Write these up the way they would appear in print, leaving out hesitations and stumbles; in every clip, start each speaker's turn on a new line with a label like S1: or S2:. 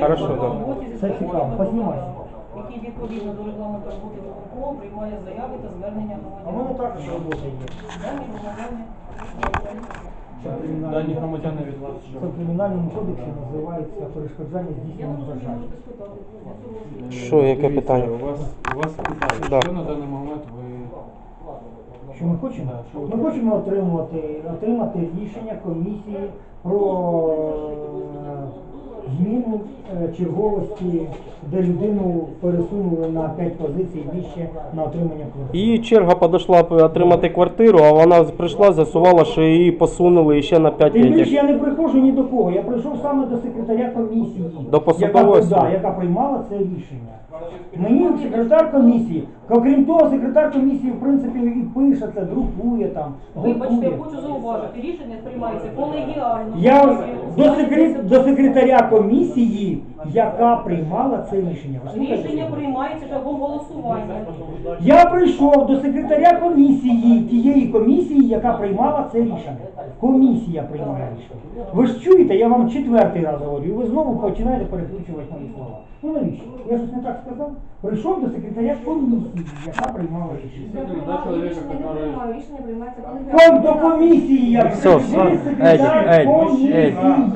S1: Хорошо, да.
S2: Це цікаво, познімайся.
S3: Який відповідно до регламенту роботи виконкому приймає заяви та звернення
S2: А в мене
S3: громадян.
S2: також робота є.
S3: Дані громадяни.
S4: Дані громадяни від вас
S2: Це в кримінальному кодексі називається перешкоджання
S3: Я не
S2: здійснення
S3: розумію,
S2: бажання.
S3: можете спитати.
S1: Що, яке питання?
S4: У вас питають,
S1: Да.
S4: що на даний момент ви...
S2: Що ми хочемо?
S4: Да, що ви
S2: Ми хочемо отримати рішення комісії про зміну черговості, де людину пересунули на 5 позицій вище на отримання квартири.
S1: Її черга підійшла отримати квартиру, а вона прийшла, з'ясувала, що її посунули ще на 5
S2: Тим більше
S1: років.
S2: я не приходжу ні до кого, я прийшов саме до секретаря комісії,
S1: До посадової особи.
S2: яка приймала це рішення. Мені секретар комісії, окрім того, секретар комісії в принципі і пише це, друкує там,
S3: Вибачте, я
S2: готує.
S3: хочу зауважити, рішення приймається колегіально.
S2: Я до секретаря комісії, яка приймала це рішення. Ви слухаєте?
S3: Рішення приймається шляхом голосування.
S2: Я прийшов до секретаря комісії, тієї комісії, яка приймала це рішення. Комісія приймає рішення. Ви ж чуєте, я вам 4-й раз говорю, і ви знову починаєте перекручувати мої слова. Ну навіщо? Я щось не так сказав? Прийшов до секретаря комісії, яка приймала рішення.
S5: Рішення приймається колегіально.
S2: До комісії я
S1: Все,
S2: прийшов, секретар комісії,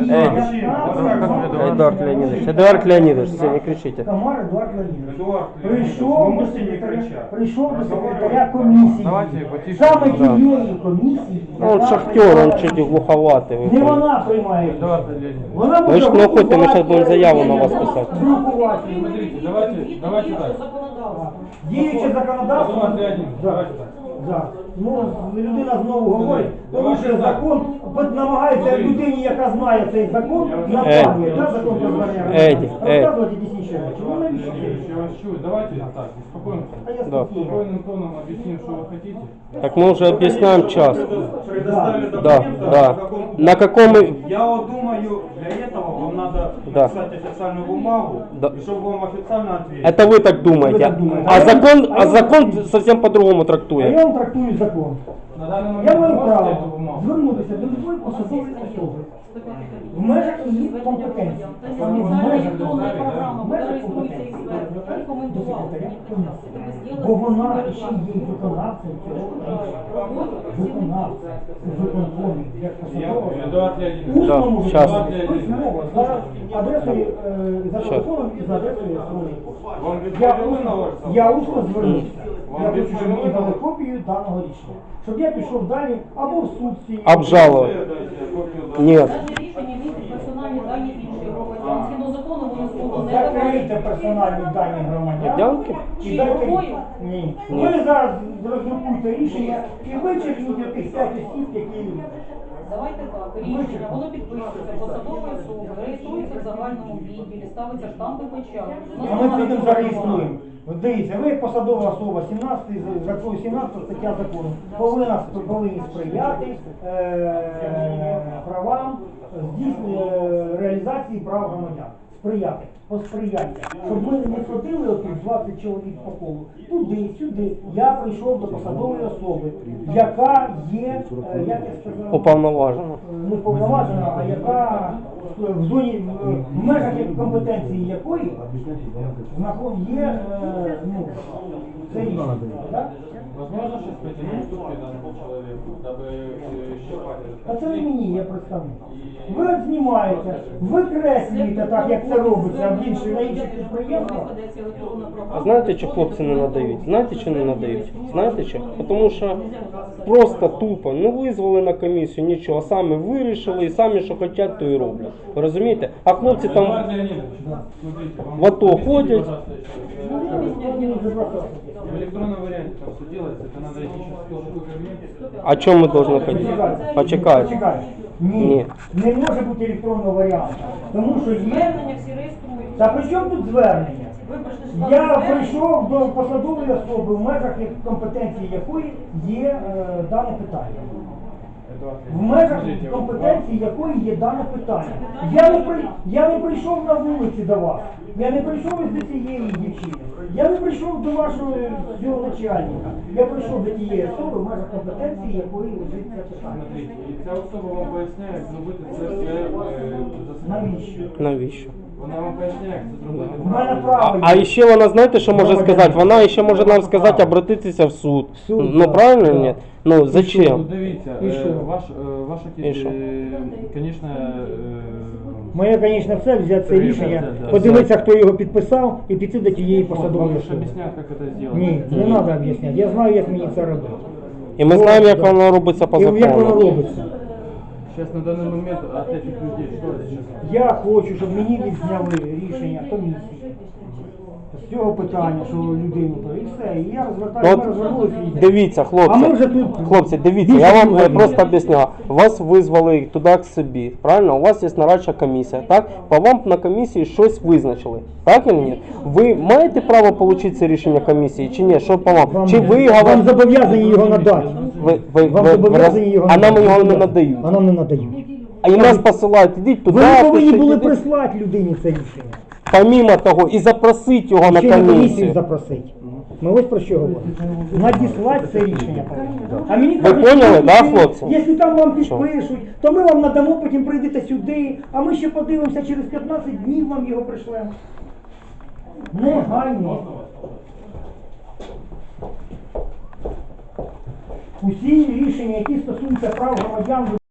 S1: Эдуард Леонидович, Эдуард Леонидович, все, не кричите.
S2: Комар Едуард Леонідович.
S4: Едуард
S2: Прийшов до секретаря комісії.
S4: Давайте потише.
S2: Саме
S1: Да.
S2: тієї комісії.
S1: Ну, он
S2: яка
S1: шахтер, он
S2: приймала
S1: чуть
S2: рішення.
S1: глуховатый.
S2: Не вона приймає.
S4: Едуард
S2: рішення.
S4: Леонідович.
S2: Вона
S1: Ви ж
S2: може
S1: не уходьте, ми щас будемо
S2: готувати
S1: заяву на вас
S2: рішення,
S1: писати.
S2: друкувати.
S4: Смотрите, давайте так.
S2: Діюче законодавство.
S4: Едуард Леонідович,
S2: Да.
S4: давайте так.
S2: Да. Ну, людина знову говорить, порушує закон, намагається людині, яка знає цей закон, направлює, так, закон про звернення
S1: Еді,
S2: розказувати дійсніші речі. Ну, навіщо?
S4: Я вас чую. Давайте так, успокоимся.
S2: А я
S1: Да.
S2: спокійно.
S4: Спокойным тоном объясним, что вы хотите.
S1: Так мы уже объясняем час.
S6: Предоставили
S1: Да,
S6: документы,
S1: да.
S6: на каком...
S1: На каком...
S6: Я вот думаю, для этого вам надо
S1: Да.
S6: написать официальную бумагу,
S1: Да.
S6: и чтобы вам официально ответили.
S1: Это вы так думаете.
S2: Вы так думаете.
S1: А закон совсем по-другому
S2: А
S1: трактует.
S2: я вам трактую закон.
S4: На данный момент
S2: Я
S4: вы
S2: маю
S4: можете эту
S2: право
S4: бумагу?
S2: звернутися до любої посадової особи в межах її компетенції.
S3: Це
S2: Саме в
S3: спеціальна
S2: межах
S3: електронна програма,
S2: в
S3: куди
S2: межах
S3: реєструється
S2: компетенції.
S3: експерт.
S2: До
S3: Я рекомендував.
S2: секретаря
S3: Це
S2: комісії.
S3: ви зробили
S2: Бо вона
S3: спеціальну
S2: ще є виконавцем цього рішення. Виконавцем, виконкомі, як посадова.
S4: Эдуард Леонидович.
S2: Усному
S1: Да, щас.
S2: письмово, за адресою, за
S1: Щас.
S2: телефоном і за адресою електронної
S6: Вам
S2: пошти.
S6: відповіли на ваш запит?
S2: Я усно звернувся.
S6: Вам
S2: Я хочу, щоб мені
S6: відповіли
S2: дали
S6: на-
S2: копію даного рішення. Щоб я пішов далі або в суд з цією.
S1: Обжаловать. Нет.
S3: Дане рішення містить персональні дані інших громадян. Згідно закону вони змогу не
S2: Закрийте
S3: давати.
S2: персональні дані громадян.
S1: Громадянки?
S2: І дайте
S3: Чергою?
S2: ні. Ви зараз роздрукуйте рішення і вичеркніть тих 5 осіб, які.
S3: Давайте так, рішення, воно підписується посадовою особою, реєструється в загальному відділі, ставиться штамп і печать.
S2: А ми підемо зареєструємо. От дивіться, ви як посадова особа, 17 стаття закону, повинні сприяти правам реалізації прав громадян. Сприяти, посприяйте. Щоб ми не ходили отих 20 чоловік по колу. Туди, сюди. Я прийшов до посадової особи, яка є, як я сказав,
S1: Уповноважено.
S2: не повноважена, а яка в зоні, в межах компетенції якої є, ну, це рішення, так?
S4: Возможно сейчас пойти на уступки данному человеку, дабы щипать этот
S2: А це не
S4: конфликт?
S2: мені, я представник. Ви от знімаєте, викреслюєте так, як це робиться в інших, на інших підприємствах.
S1: А знаєте, що хлопці не надають? Знаєте, що не надають? Знаєте що? Тому що просто тупо не визвали на комісію, нічого, самі вирішили і самі, що хочуть, то і роблять. Ви розумієте? А хлопці
S4: Эдуард
S1: там
S4: Леонидович, смотрите, вам
S1: в АТО
S4: объясните,
S1: ходят.
S4: пожалуйста, в электронном варианте там все делается, это надо идти сейчас в службу кабинет.
S1: о чому ми повинні ходити? Почекайте.
S2: Почекайте. Ні, не може бути електронного варіанту. Тому що є.
S3: Звернення всі реєструють.
S2: Та при чому тут звернення?
S3: Ви прийшли з
S2: Я
S3: звернення.
S2: прийшов до посадової особи, в межах компетенції якої є дане питання.
S4: Эдуард
S2: В
S4: Леонидович,
S2: межах
S4: смотрите,
S2: компетенції якої є дане питання. Я не прийшов на вулиці до вас. Я не прийшов із до цієї дівчини. Я не прийшов до вашого цього начальника. Я прийшов до тієї особи, в межах компетенції якої лежить це питання.
S4: Смотрите, і ця особа вам поясняє, зробити це все за себе.
S2: Навіщо?
S1: Навіщо?
S4: Вона вам поясняє, як це зробити.
S2: У мене право
S1: А
S2: є.
S1: ще вона, знаєте, що може сказати? Вона ще може нам сказати обратитися в суд.
S2: Суд,
S1: Ну
S2: так,
S1: правильно
S2: так.
S1: ні? Ну
S4: Ну,
S1: зачем?
S4: дивіться,
S2: І що?
S4: ваша
S1: І що?
S4: звісно,
S2: Моя, звісно, цель взяти це рішення,
S4: Да.
S2: подивитися, хто його підписав, і піти до тієї посадової
S4: вам
S2: особи.
S4: об'ясняють, як це зробити.
S2: Ні, не треба об'ясняти. Я знаю, як мені це робити.
S1: І ми знаємо, як воно робиться по
S2: І як воно
S1: закону.
S2: робиться.
S4: Сейчас на данный момент от этих людей что сейчас?
S2: Я хочу, щоб мені відзняли рішення комісії з цього питання, що людину то і все. І я розвертаю, ми розвернулися і йдемо.
S1: Дивіться,
S2: А
S1: хлопці,
S2: ми вже тут
S1: хлопці, дивіться,
S2: більше
S1: я вам
S2: говоримо.
S1: просто об'ясняю. Вас визвали туди к собі, правильно? У вас є нарадча комісія, так? По вам на комісії щось визначили, так чи ні? Ви маєте право отримати це рішення комісії чи ні? Що по вам? Чи ви
S2: вам
S1: говорите?
S2: зобов'язані його надати. Вам зобов'язані його
S1: а нам
S2: надати.
S1: його не надають.
S2: А нам не надають.
S1: А і нас посилають, ідіть туди,
S2: Ви повинні
S1: пишіть,
S2: були
S1: ідіть.
S2: прислати людині це рішення.
S1: Помимо того, і запросити його на
S2: Ще на комісію
S1: комісію.
S2: запросити. Ми ось про що говоримо. Надіслати це рішення повинні. А мені
S1: Ви
S2: кажуть,
S1: поняли,
S2: що
S1: да, хлопці?
S2: Якщо там вам підпишуть, то ми вам надамо, потім прийдете сюди, а ми ще подивимося, через 15 днів вам його пришлемо. Негайно. Усі рішення, які стосуються прав громадян,